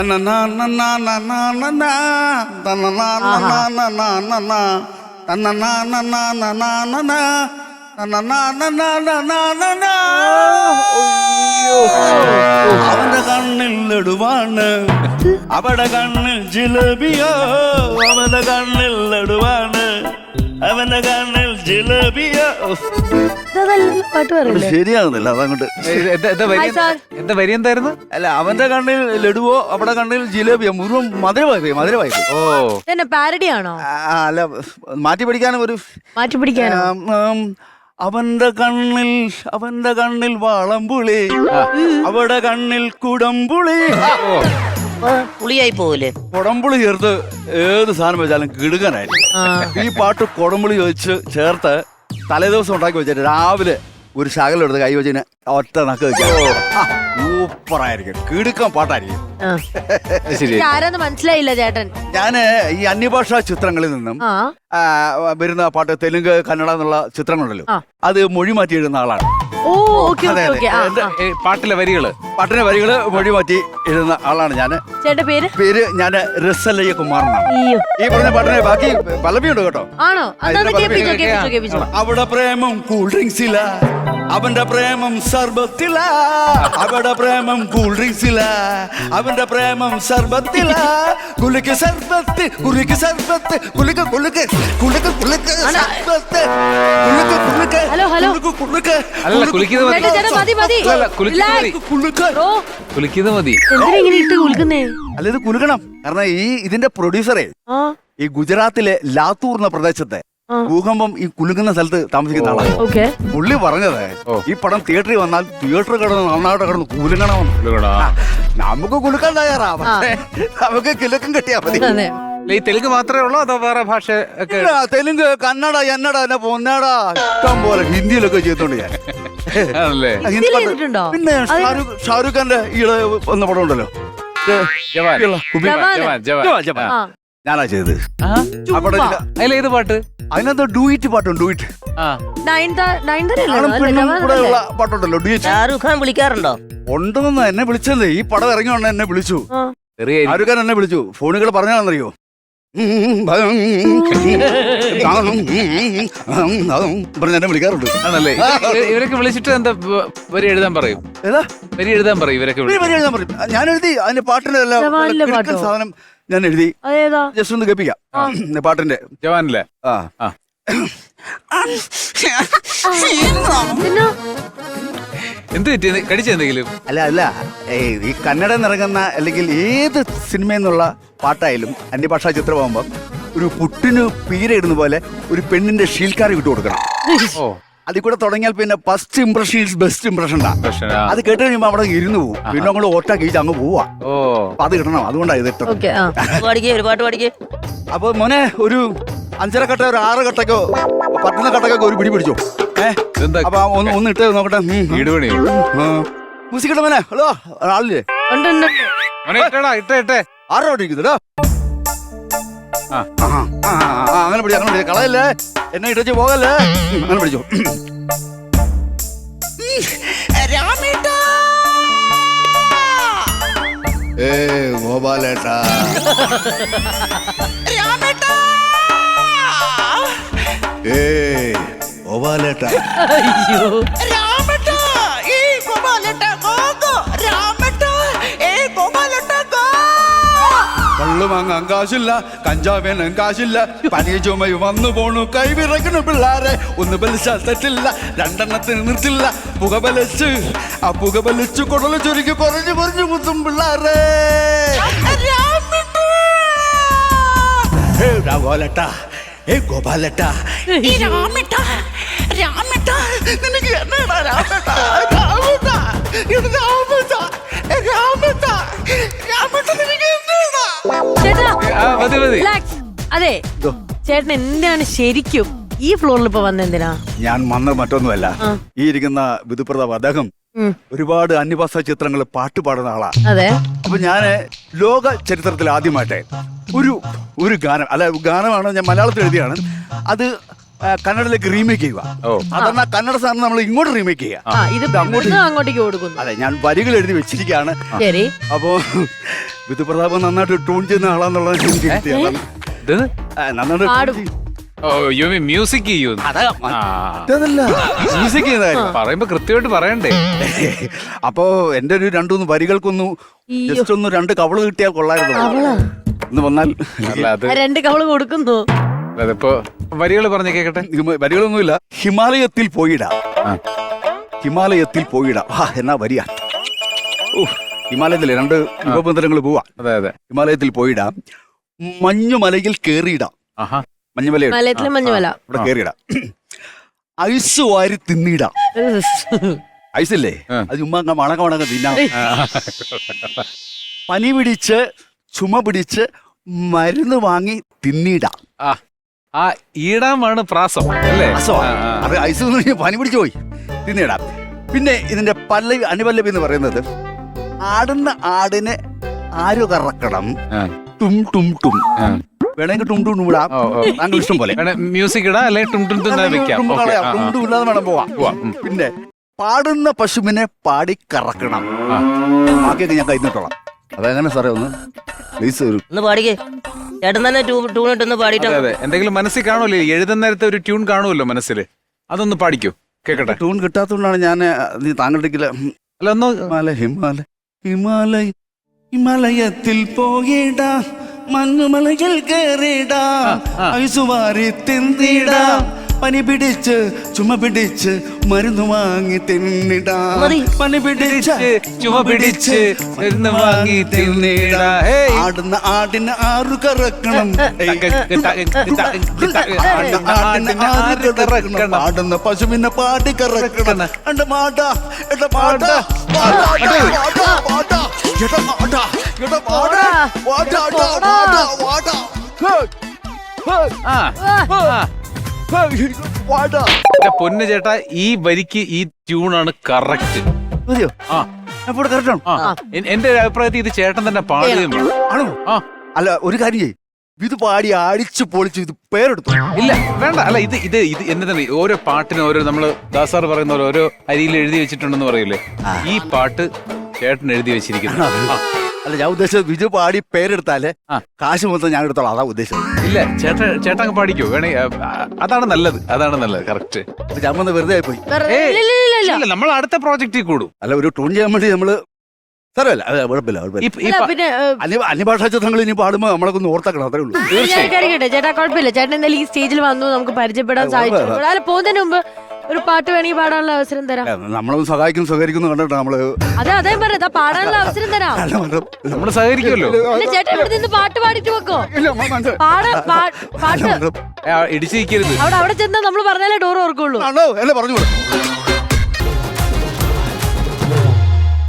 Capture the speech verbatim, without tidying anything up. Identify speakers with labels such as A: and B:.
A: അവന്റെ കണ്ണിൽ ലഡുവാണ്, അവടെ കണ്ണിൽ ജിലേബിയോ. അവന്റെ കണ്ണിൽ ലഡുവാണ്, അവന്റെ കണ്ണിൽ ജിലേബിയോ. ശരിയാകുന്നില്ല അതങ്ങോട്ട്.
B: എന്താ വരി എന്തായിരുന്നു?
A: അല്ല, അവന്റെ കണ്ണിൽ ലഡുവോ അവിടെ കണ്ണിൽ ജിലേബിയോ. മുഴുവൻ മധുരമായി മധുരമായി.
B: ഓ
C: പാരഡിയാണോ?
A: അല്ല, മാറ്റി പഠിക്കാനും ഒരു
C: മാറ്റി പിടിക്കാനോ?
A: അവന്റെ കണ്ണിൽ അവന്റെ കണ്ണിൽ വാളംപുളി, അവിടെ കണ്ണിൽ കുടംപുളി.
D: പുളിയായി പോവൂലേ?
A: കുടംപുളി ചേർത്ത് ഏത് സാധനം വെച്ചാലും കിടുക്കാനായിരിക്കും. ഈ പാട്ട് കുടംപുളി വെച്ച് ചേർത്ത് തലേദിവസം ഉണ്ടാക്കി വെച്ചിട്ട് രാവിലെ ഒരു ശകലം എടുത്ത് കൈ വെച്ചിന് ഒറ്റ നക്ക് വെക്കാം. സൂപ്പറായിരിക്കും, കിടുക്കാൻ പാട്ടായിരിക്കും.
C: ആരാന്ന് മനസ്സിലായില്ല ചേട്ടൻ.
A: ഞാന് ഈ അന്യഭാഷാ ചിത്രങ്ങളിൽ നിന്നും വരുന്ന പാട്ട്, തെലുങ്ക് കന്നഡ എന്നുള്ള ചിത്രങ്ങളുണ്ടല്ലോ, അത് മൊഴി മാറ്റി എഴുതുന്ന ആളാണ്.
B: പാട്ടിലെ വരികള്
A: പാട്ടിലെ വരികള് മൊഴി മാറ്റി എഴുതുന്ന ആളാണ് ഞാന്.
C: ചേട്ടന്റെ പേര്?
A: പേര് ഞാന് റസലയ്യ കുമാർ എന്നാണ്. ഈ പറഞ്ഞ പാട്ടിനെ ബാക്കി പലവിയുണ്ട് കേട്ടോ.
C: ആണോ?
A: അവിടെ പ്രേമം കൂൾ ഡ്രിങ്ക്സില, അവന്റെ പ്രേമം സർബത്തില. അവിടെ പ്രേമം കൂൾ ഡ്രിങ്ക്സില, അവന്റെ പ്രേമം സർബത്തില. കുലുക്ക് സർബത്ത്, കുലുക്ക് സർബത്ത്, കുലുക്ക് കുലുക്ക് കുലുക്ക് കുലുക്ക് സർബത്ത്, കുലുക്ക് കുലുക്ക്.
C: ഹലോ ഹലോ
A: കുലുക്ക്
B: അല്ല കുളിക്കുന്നത് മതി. കുളിക്കുന്നത് മതി.
C: എന്തിനാ ഇങ്ങനെ ഇട്ട് കുലുക്കുന്നേ?
A: അല്ല, ഇത് കുലുക്കണം. കാരണം ഈ ഇതിന്റെ പ്രൊഡ്യൂസറെ ഈ ഗുജറാത്തിലെ ലാത്തൂർ എന്ന പ്രദേശത്തെ ഭൂകമ്പം ഈ കുലുങ്ങുന്ന സ്ഥലത്ത് താമസിക്കുന്ന ആളാണ്. പുള്ളി പറഞ്ഞത് ഈ പടം തിയേറ്ററിൽ വന്നാൽ തിയേറ്റർ കിടന്ന് നന്നായിട്ട് കിടന്ന് കുലുങ്ങണമെന്ന്. നമുക്ക് കുലുക്കാൻ തയ്യാറാ, പക്ഷേ നമുക്ക് കിലുക്കം കിട്ടിയാ മതി.
B: ഈ തെലുങ്ക് മാത്രമേ ഉള്ളൂ അതോ വേറെ ഭാഷ ഒക്കെ?
A: തെലുങ്ക്, കന്നഡ, എന്നഡ, എന്നെ പൊന്നാട ഇഷ്ടം പോലെ ഹിന്ദിയിലൊക്കെ ചെയ്തോണ്ട് ഞാൻ. പിന്നെ ഷാരൂഖ് ഖാന്റെ ഈള് വന്ന പടം ഉണ്ടല്ലോ, ഞാനാ ചെയ്തത്.
B: അതിലേത് പാട്ട്?
A: അതിനകത്ത് ഡൂയിറ്റ് പാട്ടുണ്ട്. ഡൂയിറ്റ് പാട്ടുണ്ടല്ലോ, ഡൂയിറ്റ്.
D: ഷാരൂഖ് ഖാൻ വിളിക്കാറുണ്ടോ?
A: ഉണ്ടെന്ന് എന്നെ വിളിച്ചത്. ഈ പടം ഇറങ്ങിയോണ്ട് എന്നെ വിളിച്ചു. ഷാരൂഖ് ഖാൻ എന്നെ വിളിച്ചു. ഫോണുകൾ പറഞ്ഞാണെന്നറിയോ, പറഞ്ഞ എന്നെ വിളിക്കാറുണ്ട്.
B: ആണല്ലേ? ഇവരൊക്കെ വിളിച്ചിട്ട് എന്താ വരി എഴുതാൻ പറയും?
A: ഏതാ
B: വരി എഴുതാൻ പറയും ഇവരൊക്കെ?
A: വരി എഴുതാൻ പറയും. ഞാൻ എഴുതി അതിന്റെ പാട്ടിന്റെ സാധനം ഞാൻ എഴുതി. ജസ്റ്റ് ഒന്ന് കേൾപ്പിക്കാം പാട്ടിന്റെ.
B: ജവാനിലെ
A: ആ
B: എന്ത് പറ്റി? കടിച്ചെന്തെങ്കിലും?
A: അല്ല അല്ല ഈ കന്നഡ നിറങ്ങുന്ന അല്ലെങ്കിൽ ഏത് സിനിമയിൽ നിന്നുള്ള പാട്ടായാലും അന്യഭാഷാ ചിത്രമാകുമ്പം ഒരു പുട്ടിന് പീരയിടുന്ന പോലെ ഒരു പെണ്ണിന്റെ ഷീൽക്കാരി വിട്ടു കൊടുക്കണം. അതിൽ കൂടെ തുടങ്ങിയാൽ പിന്നെ first impression is best impression. അത് കേട്ട് കഴിയുമ്പോ അവിടെ ഇരുന്ന് പോകും. പിന്നെ നമ്മൾ ഓട്ടാക്കി അങ്ങ് പോവാ. അപ്പൊ അത് കിട്ടണം. അതുകൊണ്ടാണ് ഇത് ഇട്ടത്. അപ്പൊ മോനെ ഒരു അഞ്ചര കട്ട ഒരു ആറ് കട്ടക്കോ പത്തുന്ന കട്ടക്കൊക്കെ ഒരു പിടി പിടിച്ചോ. ഏഹ് അപ്പൊ ഒന്ന് ഒന്ന് ഇട്ട് നോക്കട്ടെ. മ്യൂസിക് ഇട്ട മോനെ. ഹലോ, ആളില്ലേ? ആറോ ഇരിക്കുന്നല്ലോ. അങ്ങനെ പിടി, അങ്ങനെ പിടി, കളയല്ലേ, എന്നെ ഇട്ടു പോകല്ലേ. അങ്ങനെ പിടിച്ചോ. ഏ ഗോപാലേട്ടാ, ഏ ഗോപാലേട്ടാ, കള്ളു വാങ്ങാൻ കാശില്ല, കഞ്ചാവേനും കാശില്ല, പനിയ ചുമയും വന്നു പോണു കൈവിറക്കണു പിള്ളാരെ. ഒന്ന് ബലിച്ചാൽ തെറ്റില്ല, രണ്ടെണ്ണത്തിന് നിർത്തില്ല. പുക ബലിച്ച് ആ പുക ബലിച്ചു കുടല് ചുരുക്കി കുറഞ്ഞു കുറഞ്ഞു കുത്തും പിള്ളാരെ. ഗോപാലേട്ടാ, ഏ ഗോപാലേട്ടാ, നിനക്ക് എന്നാ രാമേട്ടാ, രാമേട്ടാ, ഇത് രാമേട്ടാ, രാമേട്ടാ, രാമേട്ടാ, നിനക്ക്
C: അതെ ചേട്ടൻ എന്തിനാണ് ശരിക്കും ഈ ഫ്ലോറിൽ ഇപ്പൊ വന്നെന്തിനാ?
A: ഞാൻ വന്നത് മറ്റൊന്നുമല്ല, ഈ ഇരിക്കുന്ന വിധുപ്രതാപ് അദ്ദേഹം ഒരുപാട് അന്യഭാഷാ ചിത്രങ്ങൾ പാട്ട് പാടുന്ന ആളാ.
C: അതെ.
A: അപ്പൊ ഞാന് ലോക ചരിത്രത്തിൽ ആദ്യമായിട്ട് ഒരു ഒരു ഗാനം, അല്ല ഗാനമാണ് ഞാൻ മലയാളത്തിൽ എഴുതിയാണ്, അത് കന്നഡയിലേക്ക് റീമേക്ക് ചെയ്യുക. സാധാരണ കന്നഡ സാധനം നമ്മൾ ഇങ്ങോട്ട് റീമേക്ക് ചെയ്യുക,
C: അങ്ങോട്ടേക്ക് കൊടുക്കുന്നു.
A: അതെ, ഞാൻ വരികൾ എഴുതി വെച്ചിരിക്കുകയാണ്.
C: ശരി.
A: അപ്പോ വിധുപ്രതാപ് നന്നായിട്ട് ട്യൂൺ ചെയ്യുന്ന ആളാന്നുള്ളത് എനിക്ക് കിട്ടിയതാണ്.
B: ഇത്
A: ആ, നന്നായിട്ട്
C: പാടും.
A: tune ചെയ്യും.
B: ഓ യു മീൻ മ്യൂസിക് ചെയ്യൂ
A: അതാ മറ്റേതല്ല, മ്യൂസിക് ചെയ്യുന്ന കാര്യം.
B: പറയുമ്പോ കൃത്യമായിട്ട് പറയണ്ടേ.
A: അപ്പോ എന്റെ ഒരു രണ്ടു വരികൾക്കൊന്നു ജസ്റ്റ് ഒന്ന് രണ്ട് കവള് കിട്ടിയാൽ കൊള്ളായിരുന്നു. ഒന്ന് വന്നാൽ
B: അല്ല അത്
C: ആ രണ്ട് കവള് കൊടുക്കുന്നു.
B: അതിപ്പോ വരികൾ പറഞ്ഞു കേക്കട്ടെ.
A: ഹിമ- വരികളൊന്നുമില്ല. ഹിമാലയത്തിൽ പോയിടാം,
B: ആ.
A: ഹിമാലയത്തിൽ പോയിടാം. ആ എന്നാ വരിക. ഓ ഹിമാലയത്തിലെ രണ്ട് ഉപബന്ധനങ്ങൾ പോവാ.
B: അതെ അതെ.
A: ഹിമാലയത്തിൽ പോയിടാം, മഞ്ഞുമലയിൽ കേറിയിടാം.
B: ആഹാ.
A: മഞ്ഞുമല
C: മലയത്തിലെ മഞ്ഞുമല.
A: ഇവിടെ കേറിയിടാം. ഐസ് വാരി തിന്നിടാം. ഐസില്ലേ
B: ആ.
A: അത് ചുമ്മാ അങ്ങ് മണക മണക തിന്നാം. പനി പിടിച്ച് ചുമ പിടിച്ച് മരുന്ന് വാങ്ങി തിന്നിടാം.
B: ആ ആ ഈടാമാണ് പ്രാസം അല്ലേ?
A: അസോ
B: ആ, ആ.
A: അത് ഐസ് എന്ന് പറഞ്ഞാൽ പനി പിടിച്ചു പോയി തിന്നിടാം. പിന്നെ ഇതിന്റെ പല്ലവി അനുപല്ലവി എന്ന് പറയുന്നത് ആടുന്ന ആടിനെ ആര് കറക്കണം,
B: ആ.
A: ടും ടും ടും.
B: ആ.
A: വേണമെങ്കിൽ ടും ടും ടും ഇടാം,
B: ഓ, ഓ.
A: താങ്കൾ ഇഷ്ടം പോലെ.
B: വേണേ മ്യൂസിക് ഇടാം അല്ലെങ്കിൽ ടും ടും ടും എന്ന് വെക്കാം.
A: ടും
B: ഓക്കേ.
A: കളയാം,
B: ആ,
A: ടും
B: ആ.
A: ടും ഇല്ലാതെ വേണം പോവാം.
B: പോവാം. ഉം.
A: പിന്നെ പാടുന്ന പശുവിനെ പാടി കറക്കണം.
B: ആ.
A: ബാക്കിയൊക്കെ ഞാൻ കഴിഞ്ഞിട്ടോളാം. അതെങ്ങനെ സാറേ ഒന്ന് പ്ലീസ് ഒരു
D: ഒന്ന് പാടിക്കേ. ചേട്ടൻ തന്നെ ട്യൂൺ ഇട്ടൊന്ന് പാടിയിട്ട്
B: അതെ അതെ. എന്തെങ്കിലും മനസ്സിൽ കാണുമല്ലോ, എഴുതുന്ന നേരത്തെ ഒരു ട്യൂൺ കാണുമല്ലോ മനസ്സിൽ, അതൊന്ന് പാടിക്കോ കേക്കട്ടെ.
A: ട്യൂൺ കിട്ടാത്തതുകൊണ്ടാണ് ഞാൻ നീ താങ്കളുടെ
B: അല്ല ഒന്ന്
A: ഹിമാലയ ഹിമാലയ ഹിമാലയ ഹിമാലയത്തിൽ പോയിടാ, മഞ്ഞുമലയിൽ കേറിടാ,
B: ആ.
A: ഐസുവാരി തിന്നിടാ, പനി പിടിച്ച് ചുമ പിടിച്ച് മരുന്ന് വാങ്ങി തിന്നിടാ,
D: മതി.
A: പനി പിടിച്ച്
B: ചുമ പിടിച്ച് മരുന്ന് വാങ്ങി തിന്നിടാ. ഹേയ്.
A: ആടുന്ന ആടിന് ആറു കറക്കണം, ഏയ്. ആടുന്ന ആടിന് ആറ് കറക്കണം, ആടുന്ന പശുവിനെ പാടി കറക്കണം. എന്റെ മാടാ എന്റെ മാടാ മാടാ, മാടാ, മാടാ, എടാ മാടാ, എടാ മാടാ, മാടാ, മാടാ, മാടാ, മാടാ. ഹേയ്, ഹേയ്,
B: ആ, ആ.
A: ഹേയ്, മാടാ.
B: എന്റെ പൊന്ന് ചേട്ടാ, ഈ വരിക്ക് ഈ ട്യൂണാണ് കറക്റ്റ്.
A: മതിയോ?
B: ആ
A: ഞാൻ ഇവിടെ കറക്റ്റ് ആണോ?
B: ആ. എൻ- എന്റെ ഒരു അഭിപ്രായത്തിൽ ഇത് ചേട്ടൻ തന്നെ പാടുകയും വേണം.
A: ആണോ?
B: ആ.
A: അല്ല ഒരു കാര്യം ചെയ്യ്, ഇത് പാടി അടിച്ചു പൊളിച്ചു ഇത് പേരെടുത്തു.
B: ഇല്ല വേണ്ട. അല്ല ഇത് ഇത് ഇത് എന്നതാണ് ഓരോ പാട്ടിനും ഓരോ നമ്മള് ദാസാർ പറയുന്ന പോലെ ഓരോ അരിയിൽ എഴുതി വെച്ചിട്ടുണ്ടെന്ന് പറയൂലേ, ഈ പാട്ട് ചേട്ടൻ എഴുതി വെച്ചിരിക്കുന്നു. ആ.
A: അല്ല ഞാൻ ഉദ്ദേശിച്ചത് വിജു പാടി പേരെടുത്താലേ
B: ആ.
A: കാശ് മൊത്തം ഞാൻ എടുത്തോളാം, അതാ ഉദ്ദേശിച്ചത്.
B: ഇല്ല ചേട്ടൻ ചേട്ടൻ അങ്ങ് പാടിക്കോ വേണേ. ആ, അതാണ് നല്ലത്, അതാണ് നല്ലത്. കറക്റ്റ്.
A: അപ്പൊ ഞാൻ വന്ന് വെറുതെ ആയി പോയി.
C: വെറുതെ- ഇല്ല, ഇല്ല, ഇല്ല, ഇല്ല.
B: ഇല്ല നമ്മൾ അടുത്ത പ്രോജക്റ്റിൽ കൂടും.
A: അല്ല ഒരു ട്യൂൺ ചെയ്യാൻ വേണ്ടി നമ്മള് സാറല്ല അതെ കുഴപ്പമില്ല കുഴപ്പമില്ല.
B: ഈ- ഈ
C: അല്ല,
B: പ-
C: പിന്നെ ഏ,
A: അന്യ അന്യഭാഷാ ചിത്രങ്ങൾ ഇനി പാടുമ്പോ നമ്മളൊക്കെ ഒന്ന് ഓർത്താക്കണം, അത്രേ ഉള്ളൂ.
C: ഞാൻ കയറിക്കട്ടെ ചേട്ടാ, കുഴപ്പമില്ല. ചേട്ടൻ എന്തായാലും ഈ സ്റ്റേജിൽ വന്നു, നമുക്ക് പരിചയപ്പെടാൻ
A: ആ,
C: സാധിച്ചു.
A: ആ, ആ.
C: അല്ല പോകുന്നതിന് മുമ്പ് ഒരു പാട്ട് വേണമെങ്കിൽ പാടാനുള്ള അവസരം തരാം.
A: ഏ, നമ്മളൊന്ന് സഹായിക്കും സഹകരിക്കുന്നു കണ്ടിട്ട് നമ്മള്
C: അതെ അതേ പറയാ, പാടാനുള്ള അവസരം തരാം.
A: അല്ല, മന്ത്രം.
B: നമ്മള് സഹകരിക്കുമല്ലോ.
C: ഇല്ല ചേട്ടാ, ഇവിടെ നിന്ന് പാട്ട് പാടിട്ട് വെക്കോ.
A: ഇല്ല, മ- മനസ്സിലായി.
C: പാടാ പാ-
A: അല്ല,
C: പാട്ട്
A: മന്ത്രം.
B: ഇടിച്ചിരിക്കരുത്.
C: അവിടെ അവിടെ ചെന്നാ നമ്മൾ പറഞ്ഞാലേ ഡോർ ഓർക്കുള്ളൂ.
A: ആണോ എന്നെ പറഞ്ഞു വിടും.